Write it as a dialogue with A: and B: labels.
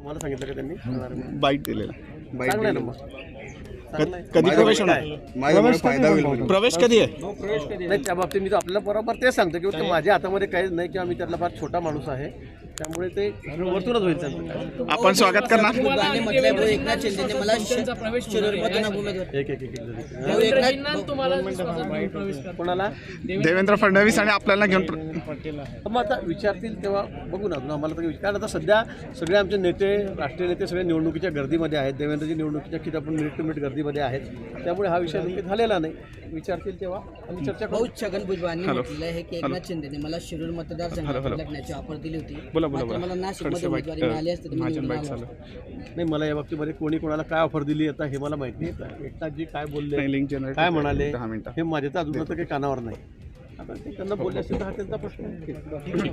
A: तुम्हाला सांगितलं का त्यांनी
B: बाईट दिलेला
A: चांगलं आहे ना मग
B: कधी प्रवेश होणार
C: माझ्यामुळे फायदा होईल.
B: प्रवेश कधी आहे
A: नाही त्या बाबतीत मी तर आपल्याला बरोबर तेच सांगतो की ते माझ्या हातामध्ये काहीच नाही किंवा मी त्यातला फार छोटा माणूस आहे त्यामुळे ते वरतूनच होईल त्यांचं
B: आपण स्वागत करणार
D: एकनाथ शिंदेने मला शिरूरमधून उमेदवार
A: कोणाला
B: देवेंद्र फडणवीस आणि आपल्याला घेऊन
A: मग आता विचारतील तेव्हा बघू ना आम्हाला तर कारण आता सध्या सगळे आमचे नेते राष्ट्रीय नेते सगळे निवडणुकीच्या गर्दीमध्ये आहेत देवेंद्रजी निवडणुकीच्या किती आपण मिनिट टू मिनिट गर्दीमध्ये आहेत त्यामुळे हा विषय नेमके झालेला नाही विचारतील तेव्हा आम्ही चर्चा करू.
D: छगन भुजबळांनी म्हटलेलं आहे की एकनाथ शिंदेने मला शिरूर मतदारसंघात लढण्याची ऑफर दिली होती मात्र मला नाशिकमध्ये उमेदवारी मिळाली असते तर मी निवडून आलो असतो.
A: नाही मला या बाबतीमध्ये कोणी कोणाला काय ऑफर दिली आता हे मला माहिती नाही एकनाथजी काय बोलले काय म्हणाले हे माझ्या तर अजून तर काही कानावर नाही आता ते त्यांना बोलले असेल तर हा त्यांचा प्रश्न आहे.